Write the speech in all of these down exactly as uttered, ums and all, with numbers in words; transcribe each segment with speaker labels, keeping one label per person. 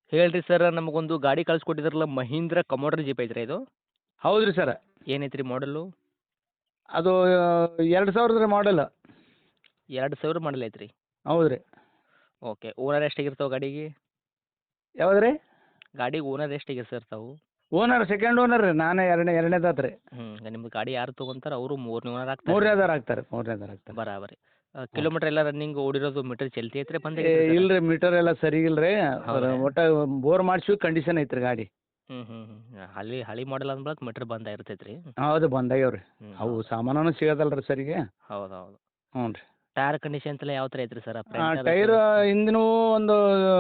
Speaker 1: ಹೇಳ್ರಿ ಸರ್ ನಮಗೊಂದು ಗಾಡಿ ಕಳ್ಸಿಕೊಟ್ಟಿದ್ರಲ್ಲ ಮಹೀಂದ್ರ ಕಮೋಡ್ರ್ ಜೀಪ್ ಐತ್ರಿ ಇದು
Speaker 2: ಹೌದು ರೀ ಸರ.
Speaker 1: ಏನೈತ್ರಿ ಮಾಡಲು
Speaker 2: ಅದು ಎರಡು ಸಾವಿರದ ಮಾಡಲ್.
Speaker 1: ಎರಡು ಸಾವಿರ ಮಾಡಲ್ ಐತ್ರಿ.
Speaker 2: ಹೌದು ರೀ.
Speaker 1: ಓಕೆ ಓನರ್ ಎಷ್ಟಾಗಿರ್ತಾವೆ ಗಾಡಿಗೆ
Speaker 2: ಯಾವ್ದು ರೀ?
Speaker 1: ಗಾಡಿಗೆ ಓನರ್ ಎಷ್ಟಾಗಿರ್ತಾವೆ?
Speaker 2: ಓನರ್ ಸೆಕೆಂಡ್ ಓನರ್ ರೀ, ನಾನೇ ಎರಡನೇ ಎರಡನೇದಾತು ರೀ.
Speaker 1: ಹ್ಞೂ ನಿಮ್ದು ಗಾಡಿ ಯಾರು ತೊಗೊಂತಾರೆ ಅವರು ಮೂರನೇ ಓನರ್ ಆಗ್ತಾರೆ.
Speaker 2: ಮೂರನೇದಾರು ಆಗ್ತಾರೆ ಮೂರನೇದಾರು ಆಗ್ತಾರೆ.
Speaker 1: ಬರಾಬರಿ ಕಿಲೋಮೀಟರ್ ಎಲ್ಲ ರನ್ನಿಂಗ್ ಓಡಿರೋದು ಮೀಟರ್ ಚಲ್ತಿ ಐತ್ರಿ ಬಂದ
Speaker 2: ಏ ಇಲ್ಲ ರೀ, ಮೀಟರ್ ಎಲ್ಲ ಸರಿ ಇಲ್ಲ ರೀ.
Speaker 1: ಹೌದಾ?
Speaker 2: ಒಟ್ಟು ಬೋರ್ ಮಾಡಿಸಿ ಕಂಡೀಷನ್ ಐತ್ರಿ ಗಾಡಿ.
Speaker 1: ಹ್ಞೂ ಹ್ಞೂ ಹ್ಞೂ ಹಳಿ ಹಳಿ ಮಾಡಲ್ ಅಂದ್ಬಳಕ್ ಮೀಟರ್ ಬಂದ ಇರ್ತೈತೆ ರೀ.
Speaker 2: ಹೌದು ಬಂದಾಗ್ಯಾವ ರೀ.
Speaker 1: ಹ್ಞೂ
Speaker 2: ಅವು ಸಾಮಾನು ಸಿಗೋದಲ್ಲ ರೀ ಸರಿಗೆ.
Speaker 1: ಹೌದು ಹೌದು.
Speaker 2: ಹ್ಞೂ ರೀ.
Speaker 1: ಟೈರ್ ಕಂಡೀಷನ್ ಎಲ್ಲ ಯಾವ ಥರ ಐತ್ರಿ ಸರ್?
Speaker 2: ಟೈರ್ ಹಿಂದಿನೂ ಒಂದು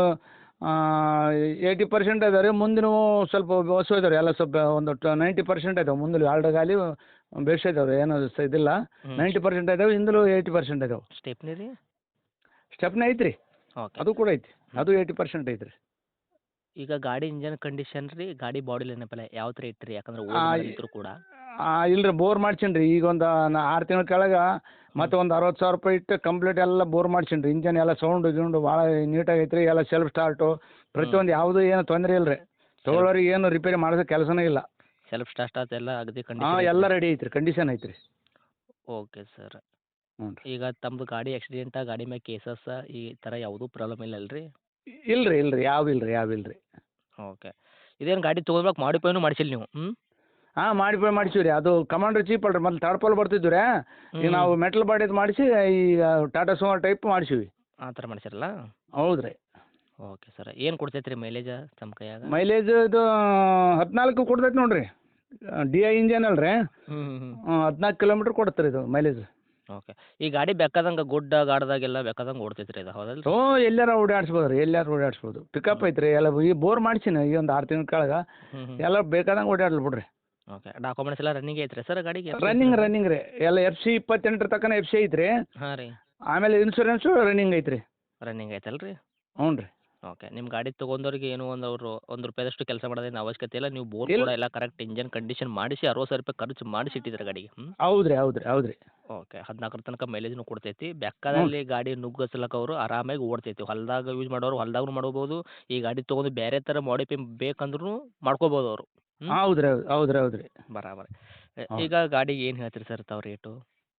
Speaker 2: ಏಯ್ಟಿ ಪರ್ಸೆಂಟ್ ಇದಾವೆ ರೀ, ಮುಂದಿನೂ ಸ್ವಲ್ಪ ಹೊಸ ಇದಾವೆ ರೀ. ಎಲ್ಲ ಸ್ವಲ್ಪ ಒಂದು ನೈಂಟಿ ಪರ್ಸೆಂಟ್ ಇದಾವೆ. ಮುಂದೆ ಎರಡು ಗಾಲಿ ಬೇಸ್ ಇದಾವೆ ರೀ, ಏನು ಸ ಇದಿಲ್ಲ. ನೈಂಟಿ ಪರ್ಸೆಂಟ್ ಇದಾವೆ, ಹಿಂದಲೂ ಏಯ್ಟಿ ಪರ್ಸೆಂಟ್ ಇದಾವೆ.
Speaker 1: ಸ್ಟೆಪ್ನಿ ರೀ?
Speaker 2: ಸ್ಟೆಪ್ನ ಐತ್ರಿ,
Speaker 1: ಓಕೆ.
Speaker 2: ಅದು ಕೂಡ ಐತಿ. ಅದು ಏಯ್ಟಿ ಪರ್ಸೆಂಟ್ ಐತ್ರಿ.
Speaker 1: ಈಗ ಗಾಡಿ ಇಂಜನ್ ಕಂಡೀಷನ್ ರೀ, ಗಾಡಿ ಬಾಡಿ ಏನಪ್ಪಲ್ಲ ಯಾವ ಥರ ಇಟ್ರಿ? ಯಾಕಂದ್ರೆ
Speaker 2: ಆ,
Speaker 1: ಇದ್ರು ಕೂಡ
Speaker 2: ಇಲ್ಲ ರೀ, ಬೋರ್ ಮಾಡ್ಸೀನಿ ರೀ. ಈಗ ಒಂದು ಆರು ತಿಂಗಳ ಕೆಳಗೆ ಮತ್ತೆ ಒಂದು ಅರವತ್ತು ಸಾವಿರ ರೂಪಾಯಿ ಇಟ್ಟು ಕಂಪ್ಲೀಟ್ ಎಲ್ಲ ಬೋರ್ ಮಾಡ್ಸೀನಿ ರೀ. ಇಂಜನ್ ಎಲ್ಲ ಸೌಂಡು ಗಿಂಡು ಭಾಳ ನೀಟಾಗಿ ಐತ್ರಿ. ಎಲ್ಲ ಸೆಲ್ಫ್ ಸ್ಟಾರ್ಟು ಪ್ರತಿಯೊಂದು ಯಾವುದೂ ಏನು ತೊಂದರೆ ಇಲ್ಲ ರೀ. ತೊಗೊಳೋರಿಗೆ ಏನು ರಿಪೇರಿ ಮಾಡಿಸೋ ಕೆಲಸನೇ ಇಲ್ಲ.
Speaker 1: ಸೆಲ್ಫ್ ಸ್ಟಾರ್ಟ್ ಎಲ್ಲ ಅಗದಿ
Speaker 2: ಹಾಂ
Speaker 1: ಕಂಡೀಷನ್
Speaker 2: ಎಲ್ಲ ರೆಡಿ ಐತ್ರಿ, ಕಂಡೀಷನ್ ಐತ್ರಿ.
Speaker 1: Okay sir.
Speaker 2: ಹ್ಞೂ ರೀ.
Speaker 1: ಈಗ ತಮ್ಮದು ಗಾಡಿ ಆಕ್ಸಿಡೆಂಟ, ಗಾಡಿ ಮ್ಯಾಗ ಕೇಸಸ್ ಈ ಥರ ಯಾವುದೂ ಪ್ರಾಬ್ಲಮ್ ಇಲ್ಲ ಅಲ್ರಿ?
Speaker 2: ಇಲ್ಲ ರೀ, ಇಲ್ಲ ರೀ, ಯಾವ ಇಲ್ಲ ರೀ, ಯಾವ ಇಲ್ಲ ರೀ.
Speaker 1: ಓಕೆ. ಇದೇನು ಗಾಡಿ ತೊಗೊಳ್ಬೇಕು ಮಾಡಿಫೈನು ಮಾಡಿಸಿಲ್ಲ ನೀವು? ಹ್ಞೂ
Speaker 2: ಹಾಂ ಮಾಡಿಫೈ ಮಾಡಿಸಿವಿ ರೀ. ಅದು ಕಮಾಂಡ್ರ್ ಚೀಪ್ ಅಲ್ರಿ, ಮೊದ್ಲು ತರ್ಪಲ್ ಬರ್ತಿದ್ವಿ ರೀ. ಈಗ ನಾವು ಮೆಟಲ್ ಬಾಡಿದು ಮಾಡಿಸಿ ಈಗ ಟಾಟಾ ಸುಮೋ ಟೈಪ್ ಮಾಡಿಸಿವಿ.
Speaker 1: ಆ ಥರ ಮಾಡಿಸಿರಲ್ಲ?
Speaker 2: ಹೌದು ರೀ.
Speaker 1: Okay sir. ಏನು ಕೊಡ್ತೈತೆ ರೀ ಮೈಲೇಜ್ ತಮ್ಮ ಕೈಯಾಗ?
Speaker 2: ಮೈಲೇಜ್ ಇದು ಹದಿನಾಲ್ಕು ಕೊಡ್ತೈತೆ ನೋಡಿರಿ. ಡಿ ಐ ಇಂಜನ್ ಅಲ್ಲ ರೀ.
Speaker 1: ಹ್ಞೂ ಹ್ಞೂ ಹ್ಞೂ
Speaker 2: ಹದಿನಾಲ್ಕು ಕಿಲೋಮೀಟ್ರ್ ಕೊಡುತ್ತೆ ರೀ ಇದು ಮೈಲೇಜ್.
Speaker 1: ಓಕೆ. ಈ ಗಾಡಿ ಬೇಕಾದಂಗೆ ಗುಡ್ಡ ಗಾಡ್ದಾಗೆಲ್ಲ ಬೇಕಾದಂಗೆ ಓಡ್ತೈತೆ ರೀ ಇದು, ಹೌದಲ್ಲ?
Speaker 2: ಹ್ಞೂ ಎಲ್ಲಾರ ಓಡಾಡ್ಸ್ಬೋದು ರೀ, ಎಲ್ಲಾರು ಓಡಾಡ್ಸ್ಬೋದು. ಪಿಕಪ್ ಐತ್ರಿ ಎಲ್ಲ. ಈ ಬೋರ್ ಮಾಡ್ಸೀನಿ ಈ ಒಂದು ಆರು ತಿಂಗಳ ಕೆಳಗೆ.
Speaker 1: ಹ್ಞೂ ಹ್ಞೂ
Speaker 2: ಎಲ್ಲ ಬೇಕಾದಂಗೆ ಓಡಾಡ್ಲಿ ಬಿಡ್ರಿ.
Speaker 1: ಓಕೆ. ಡಾಕ್ಯುಮೆಂಟ್ಸ್ ಎಲ್ಲ ರನ್ನಿಂಗ್ ಐತ್ರಿ ಸರ್ ಗಾಡಿಗೆ?
Speaker 2: ರನ್ನಿಂಗ್ ರನ್ನಿಂಗ್ ರೀ ಎಲ್ಲ. ಎಫ್ ಸಿ ಇಪ್ಪತ್ತೆಂಟರ ತನಕ ಎಫ್ ಸಿ ಐತ್ರಿ.
Speaker 1: ಹಾಂ ರೀ.
Speaker 2: ಆಮೇಲೆ ಇನ್ಶೂರೆನ್ಸು ರನ್ನಿಂಗ್ ಐತ್ರಿ.
Speaker 1: ರನ್ನಿಂಗ್ ಐತಲ್ಲ ರೀ?
Speaker 2: ಹ್ಞೂ ರೀ.
Speaker 1: ಓಕೆ. ನಿಮ್ಮ ಗಾಡಿ ತೊಗೊಂಡವ್ರಿಗೆ ಏನು ಒಂದು ಅವರು ಒಂದು ರೂಪಾಯಿದಷ್ಟು ಕೆಲಸ ಮಾಡೋದೇನು ಅವಶ್ಯಕತೆ ಇಲ್ಲ. ನೀವು ಬೋರ್
Speaker 2: ಇಲ್ಲ.
Speaker 1: ಕೂಡ ಎಲ್ಲ ಕರೆಕ್ಟ್ ಇಂಜನ್ ಕಂಡೀಷನ್ ಮಾಡಿಸಿ ಅರವತ್ತು ಸಾವಿರ ರೂಪಾಯಿ ಖರ್ಚು ಮಾಡಿಸಿ ಇಟ್ಟಿದ್ದೀರ ಗಾಡಿಗೆ. ಹ್ಞೂ
Speaker 2: ಹೌದು ರೀ, ಹೌದು ರೀ, ಹೌದು ರೀ.
Speaker 1: ಓಕೆ. ಹದಿನಾಲ್ಕರ ತನಕ ಮೈಲೇಜ್ನು ಕೊಡ್ತೈತಿ. ಬೆಕ್ಕದಲ್ಲಿ ಗಾಡಿ ನುಗ್ಗಸ್ಲಕ್ಕ ಅವರು ಆರಾಮಾಗಿ ಓಡ್ತೈತಿ. ಹೊಲದಾಗ ಯೂಸ್ ಮಾಡೋರು ಹೊಲದಾಗೂ ಮಾಡ್ಬೋದು. ಈ ಗಾಡಿ ತೊಗೊಂಡು ಬೇರೆ ಥರ ಮಾಡಿಫೈ ಬೇಕಂದ್ರೂ ಮಾಡ್ಕೋಬೋದು ಅವರು. ಹ್ಞೂ
Speaker 2: ಹೌದು ರೀ, ಹೌದು ರೀ, ಹೌದು ರೀ.
Speaker 1: ಬರಾಬರಿ.
Speaker 2: ಹೌದು.
Speaker 1: ಈಗ ಗಾಡಿಗೆ ಏನು ಹೇಳ್ತೀರಿ ಸರ್ ತಾವು ರೇಟು?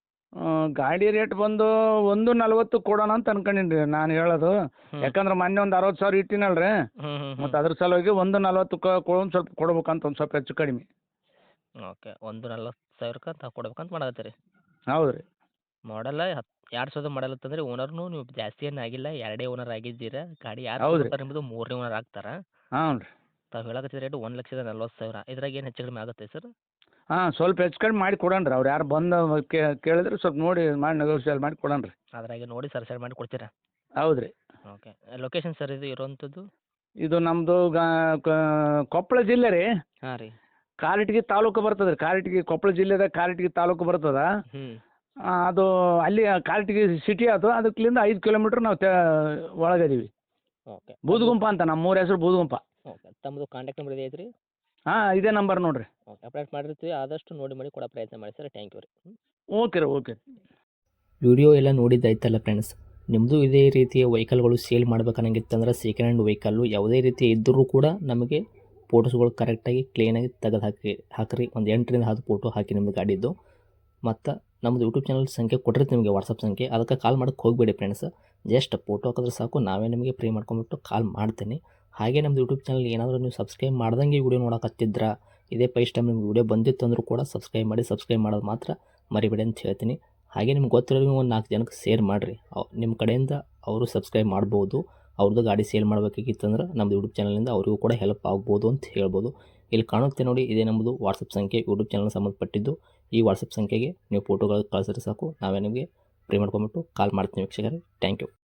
Speaker 2: ಗಾಡಿ ರೇಟ್ ಬಂದು ಒಂದು ನಲ್ವತ್ತು ಕೊಡೋಣ ಅಂತ ಅನ್ಕೊಂಡೀನಿ ರೀ ನಾನು ಹೇಳೋದು.
Speaker 1: ಹ್ಮ್.
Speaker 2: ಯಾಕಂದ್ರೆ ಮೊನ್ನೆ ಒಂದು ಅರವತ್ತು ಸಾವಿರ ಇಟ್ಟಿನಲ್ಲ ರೀ.
Speaker 1: ಹ್ಞೂ ಹ್ಞೂ ಹ್ಞೂ
Speaker 2: ಮತ್ತು ಅದ್ರ ಸಲುವಾಗಿ ಒಂದು ನಲ್ವತ್ತು ಕೊಡೋದು ಸ್ವಲ್ಪ ಕೊಡ್ಬೇಕಂತ ಒಂದು ಸ್ವಲ್ಪ ಹೆಚ್ಚು ಕಡಿಮೆ.
Speaker 1: ಓಕೆ. ಒಂದು ನಲ್ವತ್ತು ಸಾವಿರಕ್ಕೆ ಅಂತ ಕೊಡ್ಬೇಕಂತ ಮಾಡಕತ್ತೀರಿ.
Speaker 2: ಹೌದು ರೀ.
Speaker 1: ಮಾಡಲ್ಲ ಹತ್ತು ಎರಡು ಸಾವಿರದ ಮಾಡಲ್ ಅಂತಂದ್ರೆ ಓನರ್ನು ನೀವು ಜಾಸ್ತಿ ಏನು ಆಗಿಲ್ಲ, ಎರಡೇ ಓನರ್ ಆಗಿದ್ದೀರಾ. ಗಾಡಿ ಯಾರು
Speaker 2: ಹೌದು ರೀ.
Speaker 1: ತೊಗೊತಾರೆ ನಿಮ್ಮದು ಮೂರನೇ ಓನರ್ ಆಗ್ತಾರೆ.
Speaker 2: ಹಾಂ ರೀ.
Speaker 1: ತಾವು ಹೇಳಕತ್ತಿದ ರೇಟು ಒಂದು ಲಕ್ಷದ ನಲ್ವತ್ತು ಸಾವಿರ. ಇದ್ರಾಗ ಏನು ಹೆಚ್ಚು ಕಡಿಮೆ ಆಗುತ್ತೆ ಸರ್?
Speaker 2: ಹಾಂ ಸ್ವಲ್ಪ ಹೆಚ್ಚು ಕಡಿಮೆ ಮಾಡಿ ಕೊಡೋಣ ರೀ. ಅವ್ರು ಯಾರು ಬಂದು ಕೇಳಿದ್ರೆ ಸ್ವಲ್ಪ ನೋಡಿ ಮಾಡಿ ನೆಗೋಷಿಯೇಟ್ ಮಾಡಿ ಕೊಡೋಣ ರೀ.
Speaker 1: ಅದ್ರಾಗೆ ನೋಡಿ ಸರ್ ಸೈಡ್ ಮಾಡಿ ಕೊಡ್ತೀರಾ?
Speaker 2: ಹೌದು ರೀ.
Speaker 1: ಓಕೆ. ಲೊಕೇಶನ್ ಸರ್ ಇದು ಇರೋವಂಥದ್ದು?
Speaker 2: ಇದು ನಮ್ಮದು ಗಾ ಕೊಪ್ಪಳ ಜಿಲ್ಲೆ ರೀ.
Speaker 1: ಹಾಂ ರೀ.
Speaker 2: ಕಾರಟಗಿ ತಾಲೂಕು ಬರ್ತದೆ ರೀ. ಕಾರಟಗಿ ಕೊಪ್ಪಳ ಜಿಲ್ಲೆದಾಗ ಕಾರಟಗಿ ತಾಲೂಕು ಬರ್ತದೆ.
Speaker 1: ಹ್ಞೂ
Speaker 2: ಅದು ಅಲ್ಲಿ ಕಾರಟಗಿ ಸಿಟಿ ಅದು. ಅದಕ್ಕಿಂತ ಐದು ಕಿಲೋಮೀಟ್ರ್ ನಾವು ತೆ ಒಳಗದೀವಿ.
Speaker 1: ಓಕೆ.
Speaker 2: ಬೂದುಗುಂಪ ಅಂತ, ನಮ್ಮ ಊರ ಹೆಸರು ಬೂದುಗುಂಪ.
Speaker 1: ಓಕೆ. ತಮ್ಮದು ಕಾಂಟ್ಯಾಕ್ಟ್ ನಂಬರ್ ಇದೆ ಐತ್ರಿ?
Speaker 2: ಹಾಂ ಇದೇ ನಂಬರ್ ನೋಡಿರಿ.
Speaker 1: ಓಕೆ. ಅಪ್ಡೇಟ್ ಮಾಡಿರ್ತೀವಿ, ಆದಷ್ಟು ನೋಡಿ ಮಾಡಿ ಕೊಡೋ ಪ್ರಯತ್ನ ಮಾಡಿ ಸರ್. ಥ್ಯಾಂಕ್ ಯು ರೀ.
Speaker 2: ಓಕೆ ರೀ, ಓಕೆ.
Speaker 1: ವಿಡಿಯೋ ಎಲ್ಲ ನೋಡಿದ್ದಾಯ್ತಲ್ಲ ಫ್ರೆಂಡ್ಸ್. ನಿಮ್ಮದು ಇದೇ ರೀತಿಯ ವೆಹಿಕಲ್ಗಳು ಸೇಲ್ ಮಾಡ್ಬೇಕನ್ನಂಗಿತ್ತಂದ್ರೆ ಸೆಕೆಂಡ್ ಹ್ಯಾಂಡ್ ವೆಹಿಕಲ್ಲು ಯಾವುದೇ ರೀತಿ ಇದ್ದರೂ ಕೂಡ ನಮಗೆ ಫೋಟೋಸ್ಗಳು ಕರೆಕ್ಟಾಗಿ ಕ್ಲೀನಾಗಿ ತೆಗೆದು ಹಾಕಿ ಹಾಕಿರಿ. ಒಂದು ಎಂಟರಿಂದ ಹತ್ತು ಫೋಟೋ ಹಾಕಿ ನಿಮ್ಮದು ಗಾಡಿದ್ದು. ಮತ್ತು ನಮ್ಮದು ಯೂಟ್ಯೂಬ್ ಚಾನಲ್ ಸಂಖ್ಯೆ ಕೊಟ್ಟಿರ್ತೀವಿ ನಿಮಗೆ, ವಾಟ್ಸಪ್ ಸಂಖ್ಯೆ. ಅದಕ್ಕೆ ಕಾಲ್ ಮಾಡೋಕ್ಕೆ ಹೋಗಬೇಡಿ ಫ್ರೆಂಡ್ಸ್. ಜಸ್ಟ್ ಫೋಟೋ ಹಾಕಿದ್ರೆ ಸಾಕು, ನಾವೇ ನಿಮಗೆ ಫ್ರೀ ಮಾಡ್ಕೊಂಬಿಟ್ಟು ಕಾಲ್ ಮಾಡ್ತೀನಿ. ಹಾಗೆ ನಮ್ಮದು ಯೂಟ್ಯೂಬ್ ಚಾನಲ್ ಏನಾದರೂ ನೀವು ಸಬ್ಸ್ಕ್ರೈಬ್ ಮಾಡ್ದಂಗೆ ವಿಡಿಯೋ ನೋಡೋಕತ್ತಿದ್ರ, ಇದೇ ಫಸ್ಟ್ ಟೈಮ್ ನಿಮ್ಗೆ ವಿಡಿಯೋ ಬಂದಿತ್ತು ಅಂದರೂ ಕೂಡ ಸಬ್ಸ್ಕ್ರೈಬ್ ಮಾಡಿ. ಸಬ್ಸ್ಕ್ರೈಬ್ ಮಾಡೋದು ಮಾತ್ರ ಮರಿಬೇಡಿ ಅಂತ ಹೇಳ್ತೀನಿ. ಹಾಗೆ ನಿಮ್ಗೆ ಗೊತ್ತಿರೋರಿಗೆ ಒಂದು ನಾಲ್ಕು ಜನಕ್ಕೆ ಶೇರ್ ಮಾಡಿರಿ. ನಿಮ್ಮ ಕಡೆಯಿಂದ ಅವರು ಸಬ್ಸ್ಕ್ರೈಬ್ ಮಾಡ್ಬೋದು. ಅವ್ರದ್ದು ಗಾಡಿ ಸೇಲ್ ಮಾಡಬೇಕಾಗಿತ್ತಂದ್ರೆ ನಮ್ಮದು ಯೂಟ್ಯೂಬ್ ಚಾನಲಿಂದ ಅವರಿಗೂ ಕೂಡ ಹೆಲ್ಪ್ ಆಗ್ಬೋದು ಅಂತ ಹೇಳ್ಬೋದು. ಇಲ್ಲಿ ಕಾಣುತ್ತೆ ನೋಡಿ, ಇದೇ ನಮ್ಮದು ವಾಟ್ಸಪ್ ಸಂಖ್ಯೆ, ಯೂಟ್ಯೂಬ್ ಚಾನಲ್ ಸಂಬಂಧಪಟ್ಟಿದ್ದು. ಈ ವಾಟ್ಸಪ್ ಸಂಖ್ಯೆಗೆ ನೀವು ಫೋಟೋಗಳು ಕಳಿಸಿದ್ರೆ ಸಾಕು, ನಾವೇ ನಿಮಗೆ ಫ್ರೀ ಮಾಡ್ಕೊಂಬಿಟ್ಟು ಕಾಲ್ ಮಾಡ್ತೀನಿ ವೀಕ್ಷಕರೇ. Thank you.